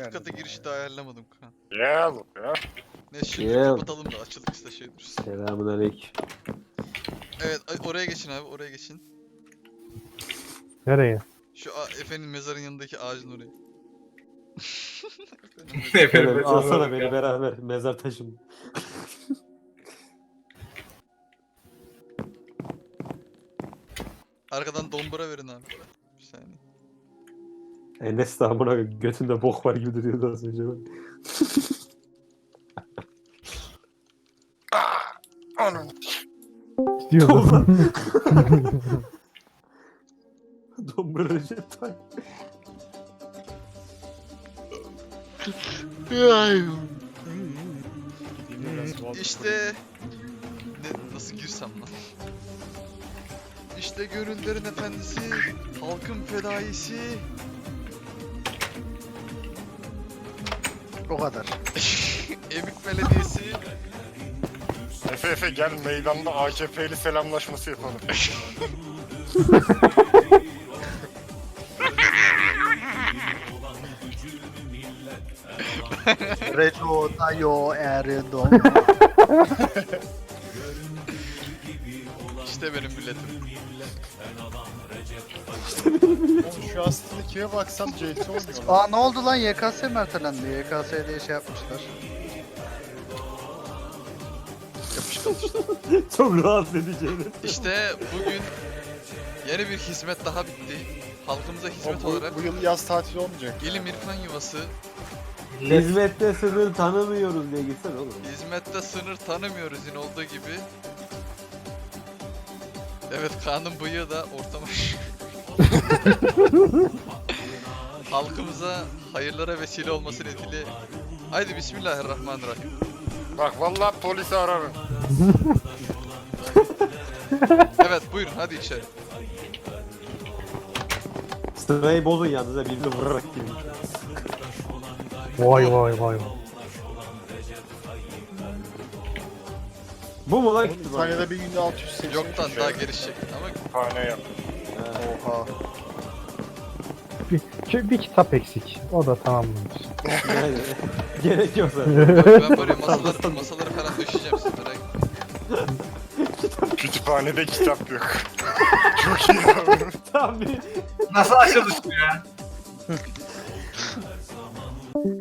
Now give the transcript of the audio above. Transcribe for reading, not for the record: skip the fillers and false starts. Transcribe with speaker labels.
Speaker 1: alt kata girişi de ayarlamadım kan.
Speaker 2: Gel ya.
Speaker 1: Ne şimdi
Speaker 3: Gel.
Speaker 1: kapatalım da açıldık işte şey dursun.
Speaker 3: Selamünaleyküm.
Speaker 1: Evet oraya geçin abi oraya geçin.
Speaker 4: Nereye?
Speaker 1: Şu Efe'nin mezarın yanındaki ağacın oraya.
Speaker 3: Şöyle alsana beni beraber mezar taşım.
Speaker 1: Arkadan dombura verin abi. Bir saniye.
Speaker 3: Enes de amına götünde bok var gibi duruyordu az önce.
Speaker 2: Anam.
Speaker 4: Gidiyordu.
Speaker 3: Dombra Recep Tayyip.
Speaker 1: İşte nasıl girsem lan? İşte gönüllerin efendisi, halkın fedaisi.
Speaker 5: O kadar.
Speaker 1: Emik Belediyesi.
Speaker 2: Efe gel meydanda AKP'li selamlaşması yapalım.
Speaker 5: Reco, Tayo, Erdoğan.
Speaker 1: İşte benim milletim.
Speaker 6: Şu aslında kime baksam CS oynuyor.
Speaker 5: Aa ne oldu lan, YKS mi ertelendi? YKS diye şey yapmışlar.
Speaker 3: Çok rahatsız edeceğini.
Speaker 1: İşte bugün yeni bir hizmet daha bitti. Halkımıza hizmet olarak
Speaker 6: Bu yıl yaz tatili olmayacak.
Speaker 1: İlim İrfan Yuvası
Speaker 3: Hizmette sınır tanımıyoruz diye gitsen oğlum.
Speaker 1: hizmette sınır tanımıyoruz yine olduğu gibi. Evet Kaan'ın bıyığı da ortama. Halkımıza hayırlara vesile olması nedeniyle. Haydi Bismillahirrahmanirrahim.
Speaker 2: Bak vallahi polisi ararım.
Speaker 1: Evet buyurun hadi içeri.
Speaker 3: Sırayı bozun yalnız da birini vurarak gibi.
Speaker 4: Vay vay vay.
Speaker 3: Bu mu lan
Speaker 6: Bir
Speaker 3: kütüphane?
Speaker 6: tane de bir günde 680.
Speaker 1: Yoktan daha gelişecek ama
Speaker 2: Kütüphane yap.
Speaker 5: Oha.
Speaker 4: Bir kitap eksik. O da tamamlanır.
Speaker 3: Yani, gerek yok zaten.
Speaker 1: ben böyle masaları falan döşeyeceğim siz merak etmeyin.
Speaker 2: Kütüphanede kitap yok. Çok iyi abi.
Speaker 3: Tam bir
Speaker 7: Nasıl açılış bu ya?